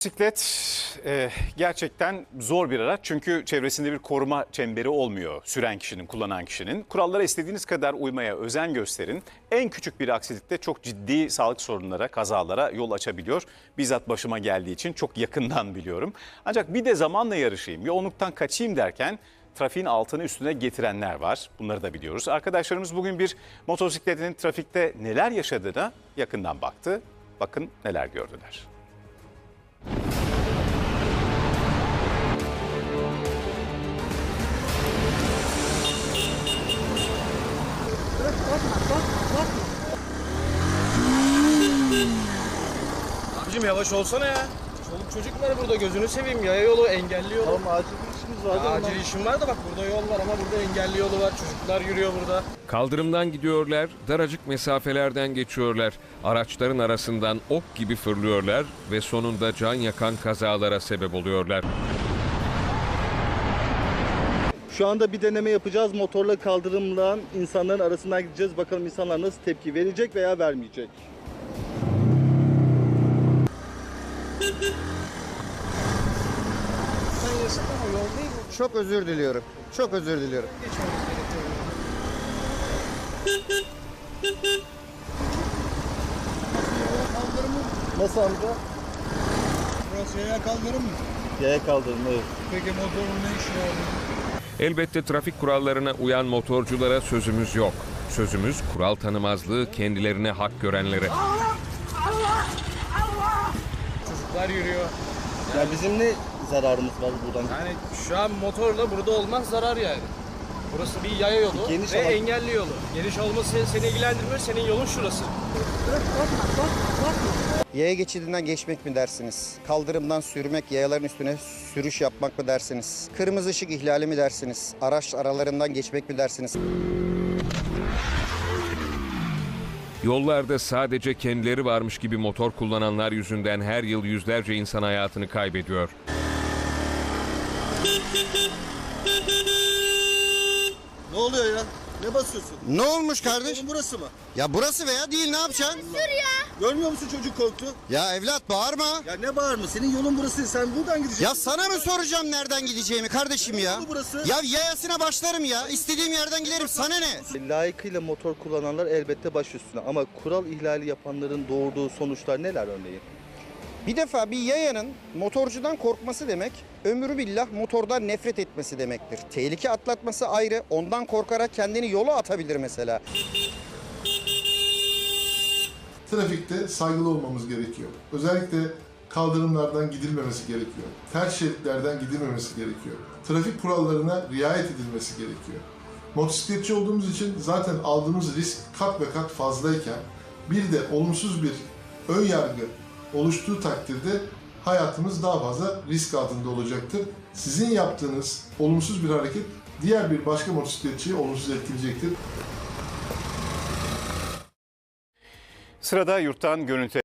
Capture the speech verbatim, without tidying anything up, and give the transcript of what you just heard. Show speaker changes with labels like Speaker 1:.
Speaker 1: Bisiklet e, gerçekten zor bir araç çünkü çevresinde bir koruma çemberi olmuyor süren kişinin, kullanan kişinin. Kurallara istediğiniz kadar uymaya özen gösterin. En küçük bir aksilikte çok ciddi sağlık sorunlara, kazalara yol açabiliyor. Bizzat başıma geldiği için çok yakından biliyorum. Ancak bir de zamanla yarışayım, yoğunluktan kaçayım derken trafiğin altını üstüne getirenler var. Bunları da biliyoruz. Arkadaşlarımız bugün bir motosikletinin trafikte neler yaşadığına yakından baktı. Bakın neler gördüler.
Speaker 2: Abicim yavaş olsana ya. Çoluk çocuk var burada, gözünü seveyim. Yaya yolu, engelli yolu.
Speaker 3: Tamam, acil bir işimiz var.
Speaker 2: Ya, acil işim var da bak, burada yol var ama burada engelli yolu var. Çocuklar yürüyor burada.
Speaker 4: Kaldırımdan gidiyorlar, daracık mesafelerden geçiyorlar. Araçların arasından ok gibi fırlıyorlar ve sonunda can yakan kazalara sebep oluyorlar.
Speaker 3: Şu anda bir deneme yapacağız. Motorla kaldırımla insanların arasından gideceğiz. Bakalım insanlar nasıl tepki verecek veya vermeyecek.
Speaker 2: Sen yasak ama yol değil mi?
Speaker 5: Çok özür diliyorum. Çok özür diliyorum.
Speaker 2: Geçmemiz gerekiyor.
Speaker 3: Nasıl amca?
Speaker 6: Burası yaya kaldırım mı?
Speaker 3: Yaya kaldırım, evet.
Speaker 6: Peki motorun ne işi var?
Speaker 4: Elbette trafik kurallarına uyan motorculara sözümüz yok. Sözümüz kural tanımazlığı kendilerine hak görenlere.
Speaker 2: Çocuklar yürüyor.
Speaker 3: Ya bizim ne zararımız var buradan?
Speaker 2: Yani şu an motorla burada olmaz, zarar yani. Burası bir yaya yolu
Speaker 3: Geniş
Speaker 2: ve
Speaker 3: ama-
Speaker 2: engelli yolu. Geniş olması seni ilgilendirmiyor, senin yolun şurası.
Speaker 5: Yaya geçidinden geçmek mi dersiniz? Kaldırımdan sürmek, yayaların üstüne sürüş yapmak mı dersiniz? Kırmızı ışık ihlali mi dersiniz? Araç aralarından geçmek mi dersiniz?
Speaker 4: Yollarda sadece kendileri varmış gibi motor kullananlar yüzünden her yıl yüzlerce insan hayatını kaybediyor.
Speaker 3: Ne oluyor ya? Ne basıyorsun?
Speaker 5: Ne olmuş kardeş?
Speaker 3: Oğlum burası mı?
Speaker 5: Ya burası veya değil, ne yapacaksın?
Speaker 3: Görmüyor musun, çocuk korktu?
Speaker 5: Ya evlat bağırma.
Speaker 3: Ya ne bağırma? Senin yolun burası. Sen buradan gideceksin.
Speaker 5: Ya sana mı soracağım nereden gideceğimi kardeşim ya?
Speaker 3: Yolu burası.
Speaker 5: Ya yayasına başlarım ya. İstediğim yerden giderim. Sana ne?
Speaker 3: Layıkıyla motor kullananlar elbette baş üstüne. Ama kural ihlali yapanların doğurduğu sonuçlar neler örneğin?
Speaker 5: Bir defa bir yayanın motorcudan korkması demek, ömrü billah motordan nefret etmesi demektir. Tehlike atlatması ayrı, ondan korkarak kendini yola atabilir mesela.
Speaker 7: Trafikte saygılı olmamız gerekiyor. Özellikle kaldırımlardan gidilmemesi gerekiyor. Ters şeritlerden gidilmemesi gerekiyor. Trafik kurallarına riayet edilmesi gerekiyor. Motosikletçi olduğumuz için zaten aldığımız risk kat ve kat fazlayken bir de olumsuz bir ön yargı oluştuğu takdirde hayatımız daha fazla risk altında olacaktır. Sizin yaptığınız olumsuz bir hareket diğer bir başka motosikletçiyi olumsuz etkileyecektir.
Speaker 1: Sırada yurttan görüntü.